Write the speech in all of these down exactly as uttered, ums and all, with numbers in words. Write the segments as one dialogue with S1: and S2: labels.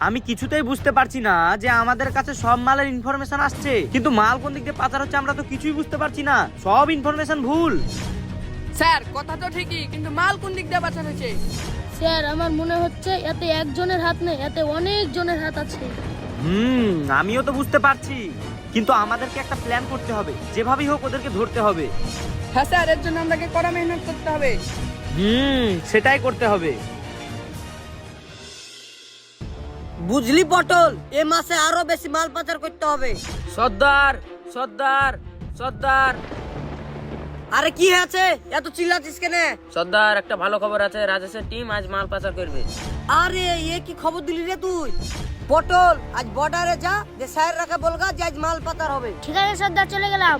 S1: আমি কিছুতেই বুঝতে পারছি না যে আমাদের কাছে সব মালের ইনফরমেশন আসছে, কিন্তু মাল কোন দিক দিয়ে পাচার হচ্ছে আমরা তো কিছুই বুঝতে পারছি না। সব ইনফরমেশন ভুল।
S2: স্যার কথা তো ঠিকই, কিন্তু মাল কোন দিক দিয়ে পাচার হয়েছে?
S3: স্যার আমার মনে হচ্ছে এতে একজনের হাত নেই, এতে অনেক জনের হাত আছে।
S1: হুম আমিও তো বুঝতে পারছি, কিন্তু আমাদেরকে একটা প্ল্যান করতে হবে, যেভাবেই হোক ওদেরকে ধরতে হবে।
S2: হ্যাঁ স্যার, এর জন্য আমাকে কড়া মেহনত করতে হবে।
S1: হুম সেটাই করতে হবে।
S4: বুঝলি পটল, এ মাসে আরো বেশি মাল পাচার করতে হবে।
S5: সর্দার সর্দার সর্দার
S4: আরে কি আছে এত চিল্লাচ্ছিস কেন?
S5: সর্দার, একটা ভালো খবর আছে, রাজেশের টিম আজ মাল পাচার করবে।
S4: আরে এ কি খবর দিলি রে তুই? পটল আজ বর্ডারে যা, যে স্যার রাখা বলগা যে আজ মাল পাচার হবে।
S3: ঠিক আছে সর্দার, চলে গেলাম।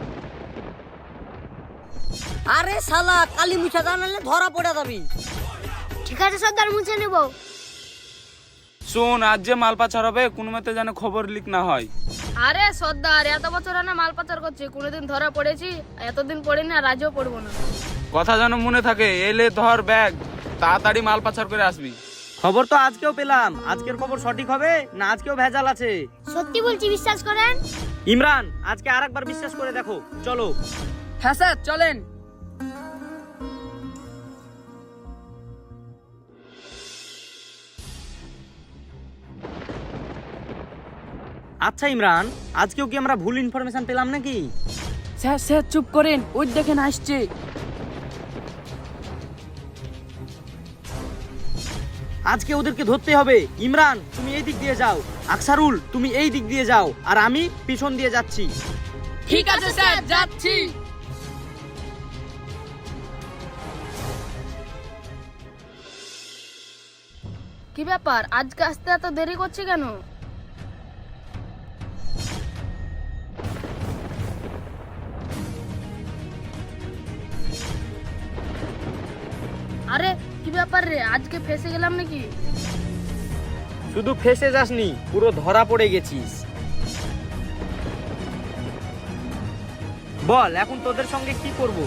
S4: আরে শালা কালি মুছা জানালে ধরা পড়ে যাবি।
S3: ঠিক আছে সর্দার, মুছে নেব।
S6: শোন, আজ যে মাল পাচার হবে কোনো মতে যেন খবর লিক না হয়।
S3: আরে সর্দার, এত বছর না মাল পাচার করছি, কোনোদিন ধরা পড়েছি? এতদিন পড়িনি আর আজও পড়বো না।
S6: কথা যেন মনে থাকে, এলে ধর ব্যাগ, তাড়াতাড়ি মাল পাচার করে আসবি।
S1: খবর তো আজকেও পেলাম, আজকের খবর সঠিক হবে না আজকেও ভেজাল আছে?
S3: সত্যি বলছি, বিশ্বাস করেন।
S1: ইমরান আজকে আরেকবার বিশ্বাস করে দেখো, চলো।
S2: হ্যাঁ স্যার চলেন।
S1: আচ্ছা ইমরান, আজকেও কি আমরা ভুল ইনফরমেশন পেলাম নাকি?
S2: স্যার স্যার চুপ করেন, ওই দেখেন আসছে।
S1: আজকে ওদেরকে ধরতে হবে। ইমরান তুমি এই দিক দিয়ে যাও, আকসারুল তুমি এই দিক দিয়ে যাও, আর আমি পিছন দিয়ে যাচ্ছি।
S2: ঠিক আছে স্যার, যাচ্ছি।
S3: কি ব্যাপার, আজকে আসতে এত দেরি করছে কেন? আরে কি ব্যাপার রে, আজকে ফেসে গেলাম নাকি?
S1: শুধু ফেসে যাসনি, পুরো ধরা পড়ে গেছিস। বল এখন তোদের সঙ্গে কি করব?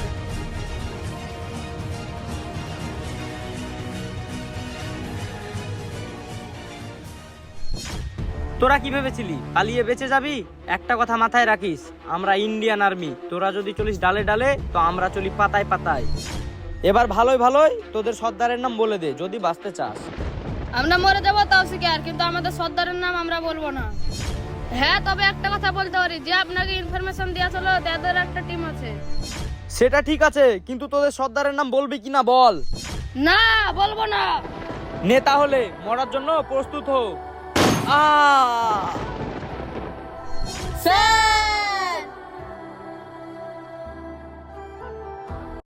S1: তোরা কি ভেবেছিলি পালিয়ে বেঁচে যাবি? একটা কথা মাথায় রাখিস, আমরা ইন্ডিয়ান আর্মি। তোরা যদি চলিস ডালে ডালে, তো আমরা চলি পাতায় পাতায়। এবার ভালোই ভালোই তোদের সর্দারের নাম বলে দে যদি বাঁচতে চাস।
S3: আমরা মরে যাবো তাও শিকার, কিন্তু আমাদের সর্দারের নাম আমরা বলবো না। হ্যাঁ, তবে একটা কথা বলতে পারি, যে আপনাকে ইনফরমেশন দিয়েছিল তাদের একটা টিম আছে।
S1: সেটা ঠিক আছে, কিন্তু তোদের সর্দারের নাম বলবি কিনা বল।
S3: না, বলবো না।
S1: নে তাহলে মরার জন্য প্রস্তুত হো। আ
S4: স্যার